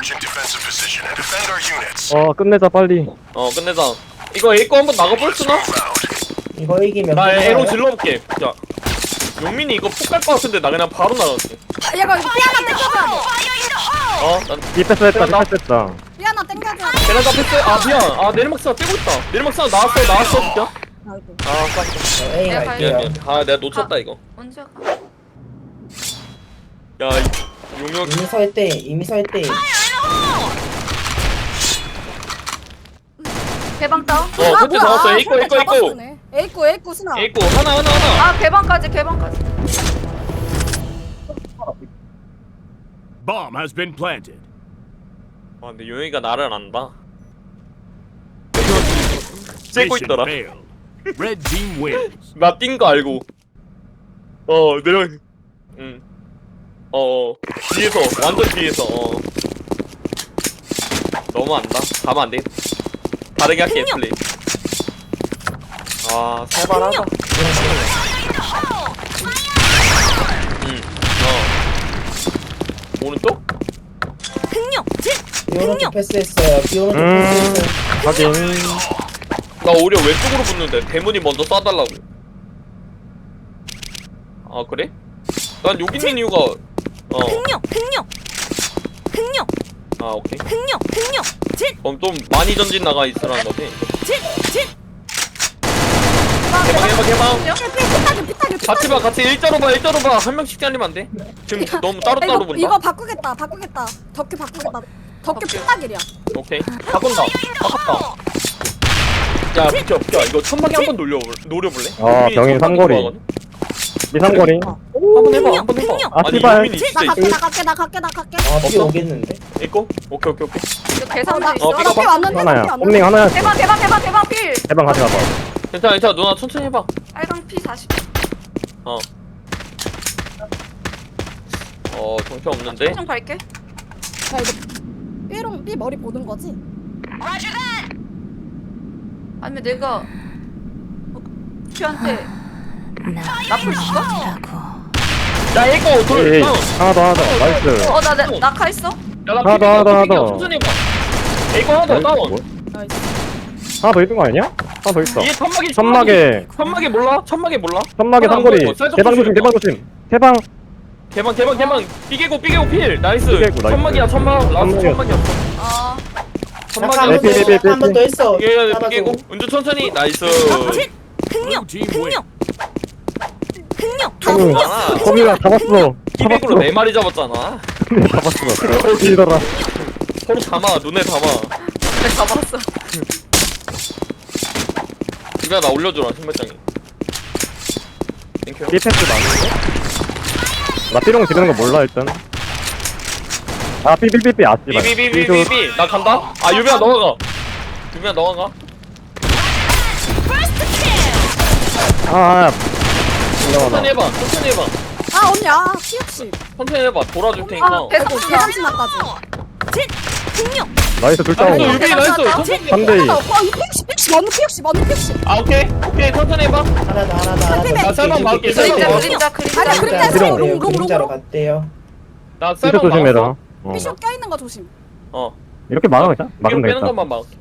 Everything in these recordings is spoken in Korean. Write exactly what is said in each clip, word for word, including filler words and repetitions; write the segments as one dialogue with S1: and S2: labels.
S1: 어 끝내자 빨리.
S2: 어 끝내자. 이거 A거 한번 나가볼 수나?
S3: 이거 이기면
S2: 나
S3: 끝나요?
S2: A로 질러볼게. 자, 용민이 이거 푹 갈 것 같은데 나 그냥 바로 나갈게.
S4: 아, 얘가 이거 삐 하나 땡겨줘야 돼.
S2: 어, 난
S1: 디패스했다
S2: 나-
S1: 디패스했다.
S4: 삐 하나 땡겨줘야 돼.
S2: 베란다 패스. 아 미안. 아 내리막스가 빼고 있다. 내리막스가 나왔어 나왔어 진짜.
S4: 아이고.
S2: 아 깜짝.
S3: 저 A
S5: 내가
S2: 미안
S3: 갈게요.
S2: 미안. 아 내가 놓쳤다 이거.
S5: 언제 가?
S2: 야 이- 용역.
S3: 이미 설때 이미 설때
S5: 개방 다운?
S2: 어 그때 잡았어. A거 A거 A거.
S4: 에이코 에이코 스나.
S2: A거 하나 하나 하나.
S5: 아 개방까지 개방까지.
S6: Bomb has been planted.
S2: 아 근데 용역이가 나를 안다. 째고
S6: Mission
S2: 있더라.
S6: failed. Red team wins.
S2: 나 뛴 거 알고. 어 내려. 응. 어 뒤에서 완전 뒤에서. 어. 너무 안다. 가면 안 돼. 다르게 할게 플레이. 아 살벌하다. 응. 어. 오른쪽?
S3: 비 오른쪽 패스했어요. 비 오른쪽
S1: 음.
S3: 패스했어요.
S1: 확인.
S2: 나 오히려 왼쪽으로 붙는데 대문이 먼저 쏴달라고. 아 그래? 난 여기 있는 이유가 어.
S7: 흥룡 흥룡 흥룡
S2: 아 오케이.
S7: 흥룡 흥룡 진
S2: 그럼 좀 많이 전진 나가 있으라는 거지.
S7: 진진
S2: 개방 개방 개방.
S4: 피타기 피타기
S2: 같이 봐 같이 일자로 봐 일자로 봐. 한 명씩 잘리면 안 돼? 지금 너무 따로 따로
S4: 이거,
S2: 본다.
S4: 이거 바꾸겠다 바꾸겠다. 덕큐 바꾸겠다. 덕큐 피타기야.
S2: 오케이. 바꾼다. 바꿨다. 야 비켜 비켜. 이거 천막에 한번 노려 노려볼래?
S1: 어,
S2: 유민이
S1: 병인
S2: 천막이
S1: 삼거리.
S2: 좋아하거든?
S1: 미상거리.
S2: 한번 해봐 한번 해봐.
S7: 흥룡.
S1: 아,
S2: 아니
S1: 씨발.
S2: 유민이
S4: 나
S2: 진짜
S4: 갈게
S2: 있어.
S4: 나 갈게 나 갈게 나 갈게.
S3: 아, 비
S2: 없어?
S3: 오겠는데?
S2: 있고? 오케이 오케이 오케이.
S5: 이거 계산도
S4: 나
S5: 있어.
S2: 어, 삐가
S4: 피
S2: 봐.
S4: 왔는데
S1: 하나야.
S4: 피 왔는데.
S1: 홈링 하나야.
S5: 대박 대박 대박 대박 필.
S1: 대방 같이 가봐.
S2: 괜찮아 괜찮아 누나 천천히 해봐.
S5: 빨강 피 사십.
S2: 어. 어 정신 없는데?
S5: 좀 갈게.
S4: 야 이거 삐롱 삐 머리 보는 거지?
S5: 아니면 내가 큐한테 나풀 줄까?
S2: 야 이거 돌
S1: 에이
S2: 다운.
S1: 하나 더 하나 더. 나이스.
S5: 어 나 낙하 있어?
S2: 야나
S1: 하나 더, 하나 더, 하나 더.
S2: 천천히 해봐. 이거 하나 더 다운.
S1: 뭐?
S4: 나이스.
S1: 하나 더 있는 거 아니냐? 하나 더 있어.
S2: 얘 천막이
S1: 천막에
S2: 천막에 몰라? 천막에 몰라?
S1: 천막에
S2: 하나 안
S1: 삼거리.
S2: 보이고, 쌀떡
S1: 대방 조심
S2: 조심해봐.
S1: 대방 조심. 대방.
S2: 개방 개방 개방 삐개고 삐개고 필 나이스.
S1: 삐개고, 나이스.
S2: 천막이야 천막 라스트
S1: 천막이야.
S2: 천막이었어.
S5: 어.
S2: 천막이야.
S1: 삐, 삐, 삐, 삐.
S3: 한번 더 했어.
S2: 삐개고
S3: 따라줘.
S2: 삐개고 은주 천천히 나이스.
S7: 진 흥룡
S6: Blue team wins.
S7: 흥룡 흥룡
S1: 음.
S2: 아,
S1: 거미가 잡았어.
S2: 삐개고로 네 마리 잡았잖아.
S1: 잡았어. 뒤더라.
S2: 서로 담아 눈에 담아.
S5: 내가 잡았어.
S2: 이거 나 올려줘라 신발장에. 땡큐.
S1: 디패스 맞는데? 나 삐롱 지르는 거 몰라 일단. 아 삐삐삐삐 아 씨발.
S2: 삐삐삐삐삐 나 간다. 아 유빈아 넘어가. 유빈아 넘어가.
S1: 아.
S2: 천천히 해봐. 천천히 해봐.
S4: 아 언니 아 피육십.
S2: 천천히 해봐. 돌아줄 테니까.
S5: 아 계산
S4: 아이고
S5: 다
S4: 계산치나까지.
S7: 진 흥룡
S1: 나이스 둘
S2: 나이스
S1: 다운.
S2: 유빈이 나이스. 천천히.
S1: 삼 대 이.
S4: 어 이거 피육십 피육십 언니 피육십 언니 피육십.
S2: 아 오케이 오케이 천천히 해봐.
S3: 하나 더 하나 더 하나 더.
S4: 나
S2: 쌀만 막을게,
S3: 그림자,
S2: 쌀만
S5: 그림자
S2: 막을게.
S5: 그림자
S4: 아니야,
S5: 그림자.
S4: 그림자.
S3: 그림자로
S4: 롱,
S3: 갔대요.
S4: 롱, 롱,
S3: 그림자로
S4: 롱.
S3: 갔대요.
S2: 나
S1: 이거
S2: 쌀만
S1: 조심해라.
S2: 막았어.
S1: 어.
S4: 피숍 껴있는 거 조심.
S2: 어.
S1: 이렇게 막으면 되잖아.
S2: 이거
S1: 막으면
S2: 빼는
S1: 되겠다.
S2: 것만 막을게.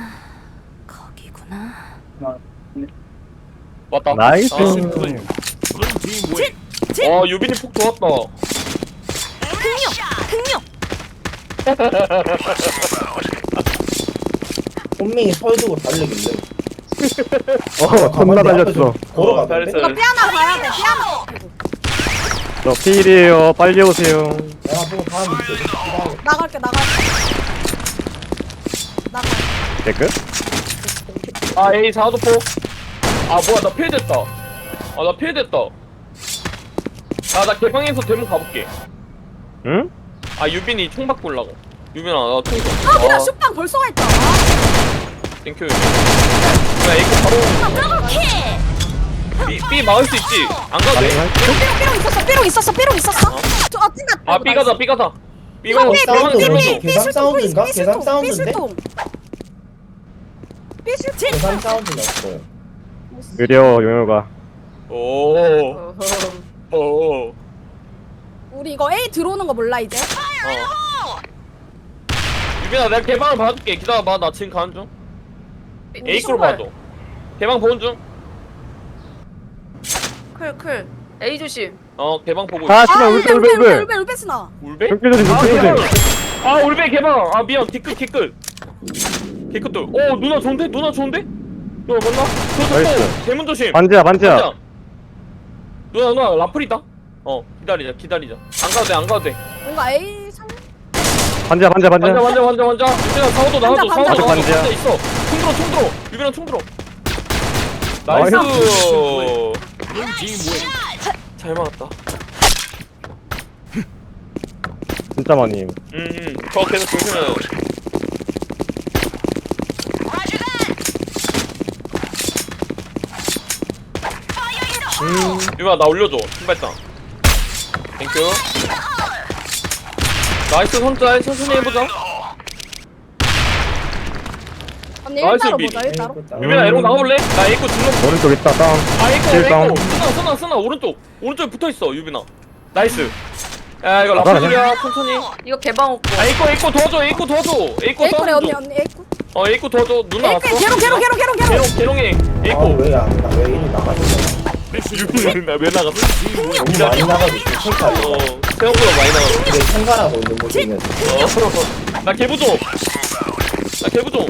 S7: 거기구나
S2: 왔다.
S1: 나이스.
S2: 아,
S6: Mission clear. Blue team wins.
S2: 어 유빈이 폭 좋았다.
S7: 흥룡 흥룡
S3: 본명이 설 두고 달리길래.
S1: 어 존나 달렸어.
S3: 걸어가.
S2: 잘했어.
S4: 이거 삐 하나 봐야 돼. 삐 하나. 아이고.
S1: 저 필이에요. 빨리 오세요.
S3: 내가 보고 다음 있어.
S4: 나갈게 나갈게. 나갈.
S1: 댓글?
S2: 아 A 사도포. 아 뭐야 나 필됐다. 아 나 필됐다. 아나 개방에서 대문 가볼게.
S1: 응?
S2: 아 유빈이 총 바꾸려고. 유빈아 나총 좀.
S4: 아 그냥 슛방 벌써 가 있다.
S2: 땡큐 유빈. 야 이거 바로. B, B 막을 수 있지. 안 가도 돼.
S1: 가능할
S4: 삐롱 삐롱 있었어. 삐롱 있었어. 삐롱 있었어. 저 아, 찐다.
S2: 아 B 가자 B 가자. B 가자.
S3: 삐,
S2: 대만
S3: 삐,
S2: 눌러줘.
S3: 삐. 계산 사운드인가? 계산 사운드인데?
S4: 삐실통.
S3: 계산 사운드 났어요.
S1: 느려 용효가.
S2: 오. 오.
S4: 우리 이거 A 들어오는 거 몰라 이제?
S2: 어. 유빈아 내가 개방을 봐줄게. 기다려봐. 나 지금 가는 중. A 꼴
S5: 신발.
S2: 봐줘. 개방 보는 중.
S5: 클 클. A 조심.
S2: 어 개방 보고 있어.
S1: 아
S4: 아
S1: 씨발
S4: 울베
S1: 울베 울베
S4: 울베 울베
S1: 울베
S4: 울베 울베 스나.
S2: 울베?
S1: 좁게 조심
S2: 아
S1: 좁게
S2: 개방.
S1: 조심
S2: 아 울베 개방. 아 미안. 개끝 개끝. 개끝들. 오 누나 좋은데? 누나 좋은데? 누나 몰라?
S1: 나이스.
S2: 저저 대문 조심.
S1: 반지야 반지야
S2: 반지야. 누나 누나 라플이다. 어 기다리자 기다리자. 안 가도 돼 안 가도 돼.
S4: 뭔가 A 삼.
S1: 반지야 반지야
S2: 반자
S1: 반지야
S2: 반자 반자 반자. 유빈아 사오도 나와줘
S4: 반자,
S2: 사오도
S1: 반자.
S2: 나와줘.
S1: 반지야.
S2: 반자 있어. 총 들어 총 들어. 유빈아 총 들어. 나이스.
S6: Blue team wins.
S2: 잘 막았다.
S1: 진짜 많이
S2: 음, 저 계속 조심해요. 음, 유빈아 나 올려줘. 신발장. 땡큐. 나이스 손자 천천히 해보자.
S4: 언니
S2: 나이스,
S4: 일따로
S2: 미.
S4: 보자 일따로.
S2: 유빈아 에롱 나가볼래? 나 에이코 질러.
S1: 오른쪽 있다 다운
S2: 아 에이코
S1: 실성.
S2: 에이코. 쓰나 쓰나 쓰나 오른쪽. 오른쪽에 붙어있어 유빈아. 나이스. 야 이거
S1: 나가,
S2: 라플이야 천천히.
S5: 이거 개방 없고.
S2: 아 에이코 에이코 도와줘 에이코 도와줘. 에이코
S4: A콜에 언니
S2: 도와줘.
S4: 언니 A콜.
S2: 어 에이코 도와줘. 누나 왔어.
S4: A콜 개롱 개롱 개롱 개롱 개롱.
S2: 개롱 개롱해. 에이코.
S3: 아왜안나왜 이리 나가지?
S6: Mission win.
S2: 유빈아 왜 나갔어?
S6: Team wins.
S3: 너무 많이 나가고 있어. 탱크 아니야.
S2: 어 생각보다 많이 나갔어.
S3: 근데 생활하고 있는 모습이면
S2: 어, 나 개부종. 나 개부종.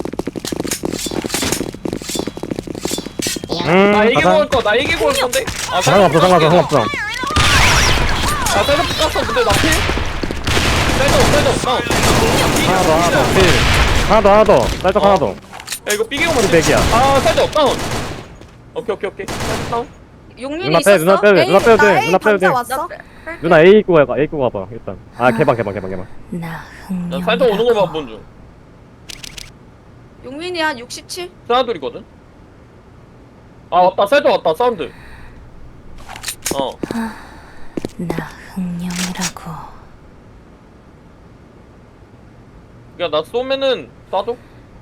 S1: 음
S2: 나 애기
S1: 가자
S2: 먹을 거. 나 애기 먹을 건데. 아,
S1: 상관없어 상관없어 상관없어
S2: 아, 쌀떡 깠어. 근데 나 필. 쌀떡, 쌀떡, 다운.
S1: 하나 더 하나 더 필. 하나 더 하나 더 살짝
S2: 어.
S1: 하나 더
S2: 야, 이거 삐개고 맞지?
S1: 백이야.
S2: 아, 쌀떡, 다운. 오케이, 오케이, 오케이. 쌀떡, 다운.
S5: 용민이
S1: 누나
S5: 있었어?
S1: 빼 누나 빼도 돼 누나 빼도
S4: 나
S1: 돼
S4: A
S1: 누나 빼도 돼
S4: 반자 왔어.
S5: 나 빼- 빼-
S1: 누나 A 입고 가봐 A 입고 가봐 일단 아 개방 개방 개방 개방
S7: 나
S2: 나
S7: 흥룡.
S2: 쌀떡 오는 거 봐, 본 중.
S5: 용민이 한 육십칠?
S2: 사나돌이거든? 아, 왔다. 쌀떡 왔다. 사운드. 어.
S7: 나 흥룡이라고.
S2: 야, 나 쏘면은 쏴줘.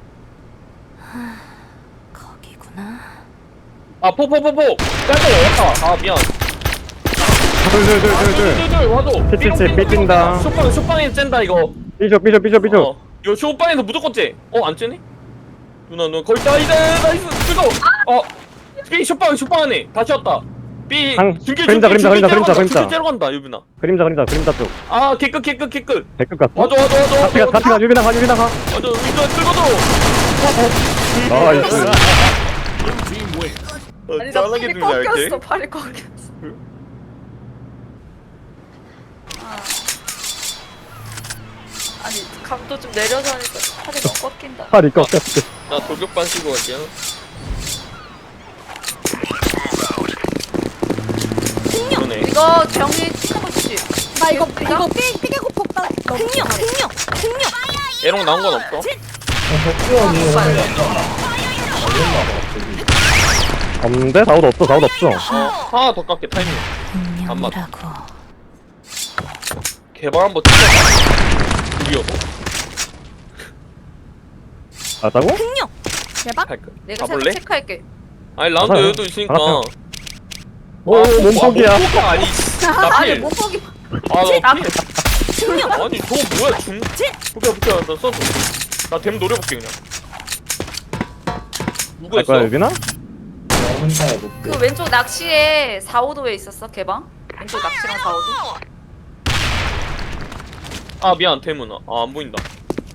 S7: 거기구나.
S2: 아, 포, 포, 포, 포. 쌀떡 왔다. 아, 미안.
S1: 둘둘둘둘둘
S2: 둘둘둘 와줘.
S1: 삐, 삐, 삐, 삐 뛴다.
S2: 쇼빵 쇼빵에 쨘다 이거.
S1: 삐져 삐져 삐져 삐져
S2: 어. 이거 쇼빵에서 무조건 째. 어안 째네? 누나 누나 거의 다 이제 나이스 뜨거. 어. 삐 쇼빵 쇼빵 안에 다시 왔다. 삐
S1: 상-
S2: 중길
S1: 그림자,
S2: 중길
S1: 그림자,
S2: 중길
S1: 그림자,
S2: 째러 간다.
S1: 그림자.
S2: 중길 째러 간다 유빈아.
S1: 그림자 그림자 그림자 쪽
S2: 아 개끝 개끝 개끝.
S1: 백급 갔어
S2: 와줘 와줘 와줘.
S1: 같이 가 같이 가 유빈아 가 유빈아 가
S2: 와줘 유빈아 뜨거줘.
S1: 나이스
S6: Blue team wins.
S2: 어,
S5: 아니 나
S2: 짠하게
S5: 팔이
S2: 들냐 이렇게.
S5: 꺾였어 팔이 꺾였어. 아. 아니 감도 좀 내려서 하니까 팔이 너무 꺾인다.
S1: 팔이 꺾였어
S2: 나 돌격반 쓰고 갈게요. 그러네.
S5: 이거 병이 튀는 거 주지.
S4: 나 이거 이거 삐 삐개고 폭탄.
S7: 흥룡 흥룡 흥룡.
S2: 에롱 나온 건 없어?
S3: 덕규 형이 오늘 걸렸나 봐. 저기.
S1: 없는데? 다우도 없어 다우도 없어
S2: 어 하나 더 깎게 타이밍. 안 맞아.
S7: 흥룡이라고.
S2: 개발 한번 찍어봐. 드디어
S1: 알았다고?
S7: 흥룡.
S4: 대박.
S2: 할까?
S5: 내가
S2: 가볼래?
S5: 체- 체크할게.
S2: 아니 라운드
S1: 가자.
S2: 여유도 있으니까.
S1: 가자.
S2: 아,
S1: 오 몸폭이야
S2: 몸폭이야 아니. 나
S5: 아니
S2: 필.
S5: 못 보기.
S2: 아나 필.
S7: 흥룡.
S2: 아니 저거 뭐야 중? 볼게 볼게 나 써줘. 나댐 노려볼게 그냥. 누구
S1: 갈 거야
S2: 했어?
S1: 유빈아?
S3: 나 혼자 해볼게.
S5: 그 왼쪽 낚시에 사, 오도에 있었어 개방. 왼쪽 낚시랑 사, 오도.
S2: 아 미안 댐은 아안 보인다.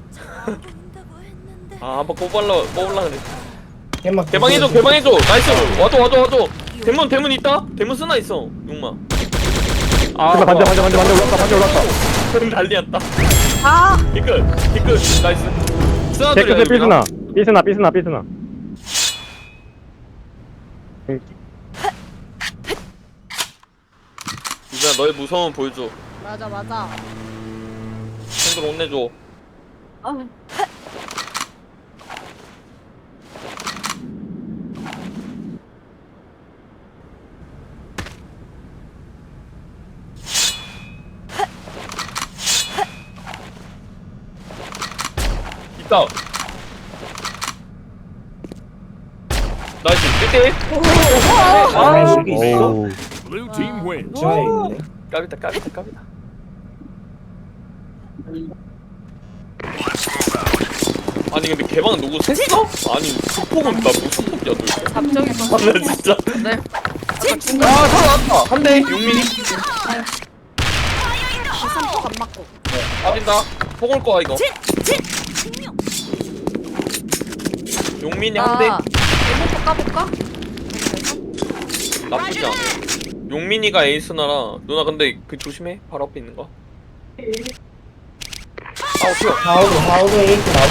S2: 아 한번 꼽을라 꼽을라 그래.
S3: 개막
S2: 개방해줘 개방해줘 나이스 와줘 와줘 와줘. 댐은 댐은 있다? 댐은 쓰나 있어 용마. 아
S1: 유빈아 반대 반대 반대 반대 올랐다 반대 올랐다
S2: 그럼 난리였다.
S4: 아
S2: 개끝 개끝 나이스. 쓰나
S1: 개끝에
S2: 들이야
S1: 삐스나 삐스나 삐스나 삐스나
S2: 유빈아 너의 무서움 보여줘.
S4: 맞아 맞아.
S2: 친구들 혼내줘. 있다. 나이스 일 대 일.
S3: 아, 여기 있어?
S1: 오우
S6: Blue team wins.
S3: 중앙에 있네.
S2: 까비다 까비다 까비다. 아니 근데 개방은 누구 셌어? 아니 그 폭은 나 무슨 폭이야 도대체.
S5: 잡정이
S2: 아, 나 진짜.
S5: 네.
S2: 아 살아났다. 한 대. 용민이.
S4: 삼폭 안 맞고.
S2: 빠진다. 폭 올 거야 이거.
S7: 생명.
S2: 용민이 한 대.
S5: 나 에모포 까볼까?
S2: 나쁘지 않아. 용민이가 에이스나라. 누나 근데 그 조심해. 바로 앞에 있는 거. 아우 튀어.
S3: 하우드 하우드 에이트 나오고.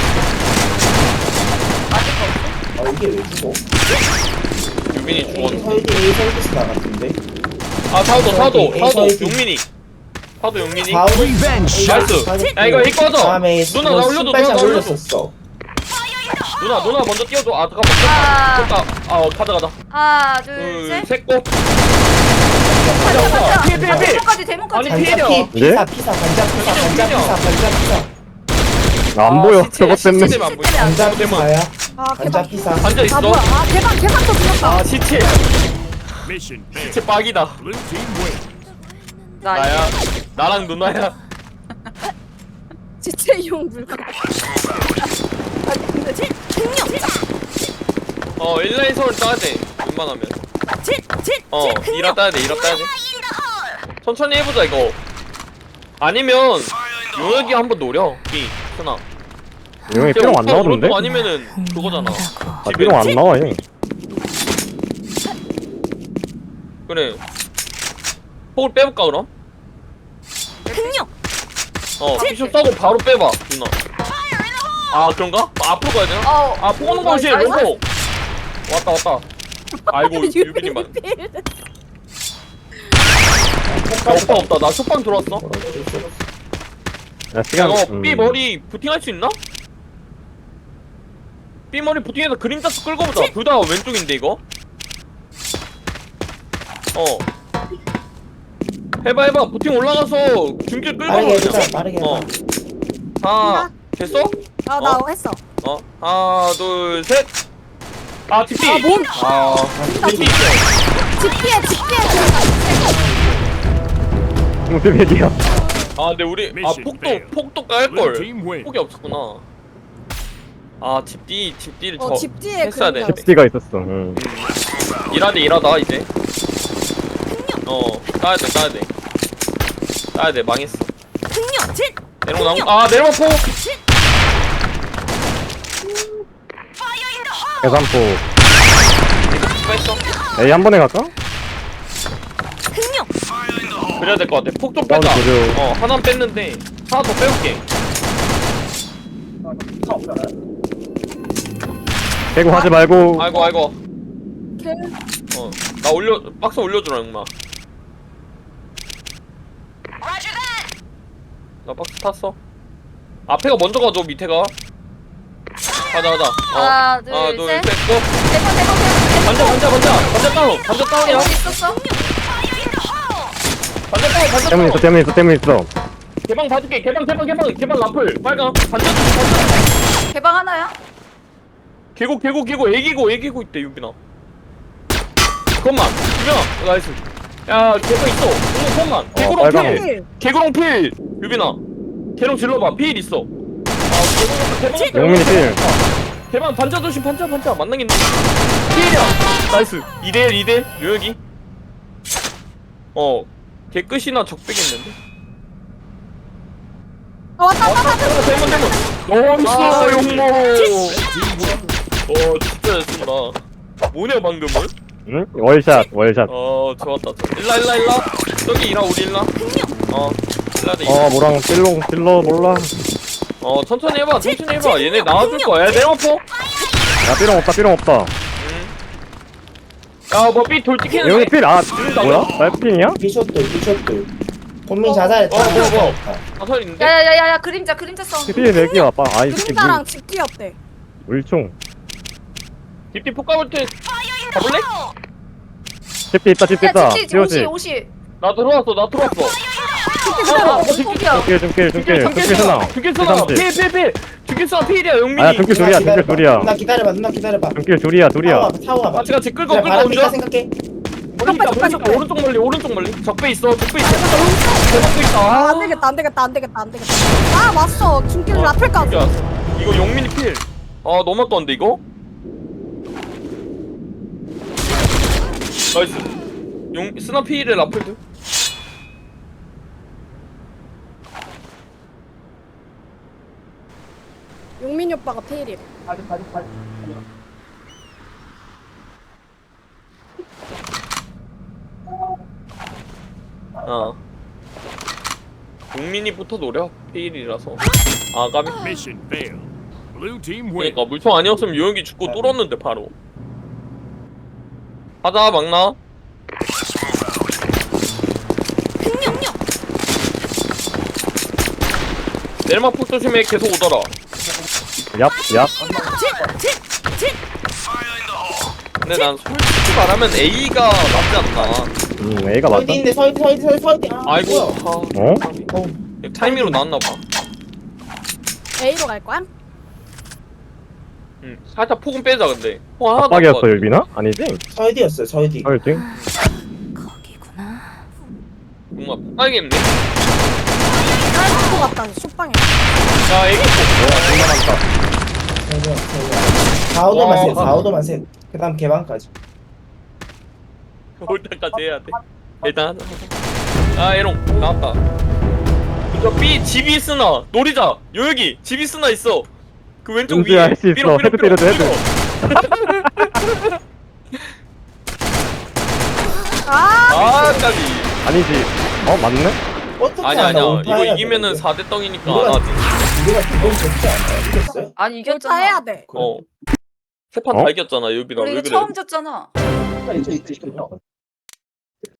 S2: 나한테
S3: 아 이게 왜 죽어?
S2: 용민이
S3: A
S2: 죽었네.
S3: 설디 A 설디스 나갔던데.
S2: 아 사우도 사우도
S3: 에이,
S2: 사우도
S3: 에이,
S2: 용민이. 사우도 용민이.
S3: 하우드
S6: Revenge.
S2: 나이스. 야 이거 이거 하자.
S3: 다음에
S2: 누나 나 올려줘. 누나 나 올려줘.
S3: 올렸었어.
S2: 누나 누나 먼저 뛰어줘. 아 잠깐만.
S5: 아.
S2: 잠깐. 아 어, 가자 가자.
S5: 하나 둘셋
S2: 둘셋 고.
S5: 가자
S2: 가자.
S5: 가자
S2: 피해 피해 피해.
S5: 데모까지 데모까지
S2: 아니,
S3: 반자
S2: 피해요.
S3: 피 피사 피사 반자 피사 반자 피사 반자 피사
S1: 안 보여 저것 때문에.
S2: 시체 안 보여.
S3: 반자
S2: 대만.
S3: 피사야.
S4: 아
S3: 반자
S4: 개방.
S3: 피사.
S2: 앉아
S4: 아
S2: 있어.
S4: 뭐야? 아 개방 개방도 들렸다.
S2: 아 시체.
S6: Mission failed.
S2: 시체 빡이다.
S6: Blue team win.
S5: 나
S2: 나야. 나랑 누나야.
S4: 지체용 물건.
S2: 어 일라인 서울 따야 돼. 웬만하면. 어 이라 따야 돼. 이라 따야 돼. 천천히 해보자 이거. 아니면 용혁이 한번 노려. 이 순아.
S1: 용이 삐롱 안 나오던데?
S2: 아니면은 그거잖아.
S1: 아 삐롱 안 나와 얘.
S2: 그래. 폭을 빼볼까 그럼? 어 피숍 싸고 바로 빼봐 누나. 아 그런가? 아, 앞으로 가야 되나?
S5: 어.
S2: 아 포는 것이
S5: 나이스.
S2: 롱포. 왔다 왔다. 아이고 유빈이 만. 야 오빠 없다. 나 쇼빵 들어왔어.
S1: 야
S2: 야
S1: 시간.
S2: 너
S1: 음.
S2: B 머리 부팅할 수 있나? B 머리 부팅해서 그림자 수 끌고 보자. 둘 다 왼쪽인데 이거. 어. 해봐 해봐. 부팅 올라가서 중길 끌고
S3: 빠르게 해보자.
S2: 보자.
S3: 빠르게
S2: 어.
S3: 해봐.
S2: 아 됐어?
S4: 아나
S2: 어?
S4: 했어.
S2: 어 하나 둘 셋. 아 뒷뒤.
S4: 아, 뭔?
S2: 아 뒷뒤 있어.
S4: 집피해 집피해.
S1: 용 삐삐야.
S2: 아 근데 우리 아 폭도 폭도 깔
S6: Blue
S2: 걸.
S6: team win.
S2: 폭이 없었구나. 아 집뒤 집뒤를
S4: 어
S2: 저
S4: 집 뒤에
S2: 했어야
S4: 그림자.
S2: 되는데.
S1: tips가 있었어. 응.
S2: 일하대 일하다 이제. 어 따야 돼 따야 돼. 따야 돼 망했어. 내려오 나무 아 내려와 폭.
S1: 계산포.
S2: 이거 했어.
S1: A 한 번에 갈까?
S2: 그래야 될 것 같아. 폭 좀 빼자.
S1: 다운 조려.
S2: 어 하나 뺐는데 하나 더 빼올게.
S1: 개구 하지 말고.
S2: 아이고 아이고.
S4: 개.
S2: 어나 올려 박스 올려주라 용마. 나 박스 탔어. 앞에가 먼저 가줘 밑에가. 가자 가자. 어.
S5: 하나
S2: 하나
S5: 둘셋
S2: 둘셋 고.
S5: 대포 대포 대포
S2: 반자 반자 반자 반자 다운 반자 다운이야.
S5: 여기 있었어?
S2: 반자 다운 반자
S1: 때문 있어
S2: 다운.
S1: 때문 있어 때문 있어.
S2: 개방 봐줄게. 개방 개방 개방 개방 라플 빨강 반자 반자.
S5: 개방 하나야?
S2: 개고 개고 개고 애기고 애기고 있대 유빈아. 그것만 유빈아 나이스. 야 개방 있어. 이거 그것만. 개구롱
S1: 빨강.
S2: 필. 개구롱 필. 유빈아. 개롱 질러봐. 필 있어. 아 개구롱 개방.
S1: 용민이 필.
S2: 개방 반자 조심 반자 반자 만나겠네. 필이야. 나이스. 이 대 일 이 대 일 요혁이. 어. 개끝이나 적배겠는데.
S4: 어 왔다 왔다 왔다.
S2: 대문 대문.
S5: 아,
S2: 나이스 용모. 어 진짜 잘 쏜다. 뭐냐 방금은?
S1: 응? 월샷 월샷.
S2: 어 좋았다. 일라 일라 일라. 저기 일라 우리 일라. 어 일라 대.
S1: 어 뭐랑 필롱 필러 몰라.
S2: 어 천천히 해봐 천천히 해봐. 얘네 나와줄 거야. 야 내려포.
S1: 야 삐롱 없다 삐롱 없다.
S2: 야뭐 삐 돌 찍히는데.
S1: 용이 필 아 뭐야? 날핀이야?
S3: 비쇼트 비쇼트. 본민 자살했다.
S2: 어, 뭐, 뭐.
S3: 자살했다.
S2: 아설인데.
S5: 야야야야 그림자 그림자 사운드
S1: 필 내기야 봐. 아이 새끼
S4: 그림자랑 집 뒤였대.
S1: 물 물총.
S2: 딥디 폭 가볼 때 가볼래?
S1: 집비 있다 집비
S5: 야
S1: 있다.
S5: 집지
S1: 피오지.
S5: 옷이 옷이
S2: 나 들어왔어 나 들어왔어.
S5: 어 폭이야
S1: 중길 중길 중길 중길 쓰나.
S2: 중길 쓰나.
S1: 필
S2: 필 필 필. 중길 쓰나 필이야 용민이.
S1: 아야 중길 둘이야 중길 둘이야.
S3: 누나 기다려봐 누나 기다려봐.
S1: 중길 둘이야 둘이야.
S3: 타고 와봐.
S2: 같이 같이 끌고
S3: 그래,
S2: 끌고
S3: 바람이니까
S2: 오죠.
S3: 생각해.
S2: 멀리다
S4: 적배,
S2: 멀리다
S4: 적배.
S2: 오른쪽 멀리 오른쪽 멀리. 적배 있어 적배 있어. 적배 있다.
S4: 아, 안 되겠다, 안 되겠다, 안 되겠다, 안 되겠다. 아, 왔어. 중길
S2: 어,
S4: 라플까지.
S2: 중길 왔어. 이거 용민이 필. 아 너무 아까운데 이거? 나이스. 용 스나 필에 라플드.
S4: 용민이 오빠가 페일이래.
S2: 아. 용민이부터 노려 필이라서. 아 까비.
S6: Mission failed. Blue team win.
S2: 그러니까 물총 아니었으면 요영이 죽고 뚫었는데 바로. 가자 막나.
S7: 흥룡룡.
S2: 내리막 폭 조심해 계속 오더라.
S1: 얍, 얍.
S2: 근데 난 솔직히 말하면 A가 낫지 않나.
S1: 음, A가 맞다.
S3: 서이디인데 서이디 서이디 서이디 서이디. 아,
S2: 아이고.
S3: 뭐야.
S2: 아,
S1: 어?
S3: 어.
S2: 타이밍으로 나왔나봐.
S4: A로 갈 거야?
S2: 응. 살짝 폭은 빼자 근데. 폭 하나도
S1: 압박이었어,
S2: 없거든.
S1: 유빈아? 아니지?
S3: 서이디였어요 서이디.
S1: 설지?
S7: 거기구나.
S2: 뭔가 폭발겠네.
S4: 깔고 갔다 쇼빵에.
S2: 야 애기
S3: 서이디야 서이디야. 사오도만
S2: 와.
S3: 셋 사오도만 셋. 그다음 개방까지.
S2: 올 때까지 해야 돼. 일단 하자. 아 에롱 나왔다. 저 B 집이 쓰나 노리자. 요여기 집이 쓰나 있어. 그 왼쪽
S1: 은주야,
S2: 위에.
S1: 할수 있어.
S2: 삐로, 삐로,
S1: 헤드
S2: 삐로,
S1: 때려도 헤드.
S2: 삐로.
S4: 아,
S2: 아 까비.
S1: 아니지. 어, 맞네?
S3: 어떻게
S2: 아니야
S3: 하나
S2: 아니야. 이거
S3: 올타해야
S2: 이기면은
S3: 되는데?
S2: 사 대 떡이니까
S3: 우리가
S2: 안 하지.
S3: 우리가 기본 좋지 않아요? 이겼어요?
S5: 아니
S4: 결타 해야
S5: 이겼잖아.
S4: 돼.
S2: 어. 세 판
S1: 어?
S2: 다 이겼잖아 유비랑
S5: 우리
S2: 왜
S5: 이거
S2: 그래?
S5: 처음 졌잖아.
S3: 이제 이제 이제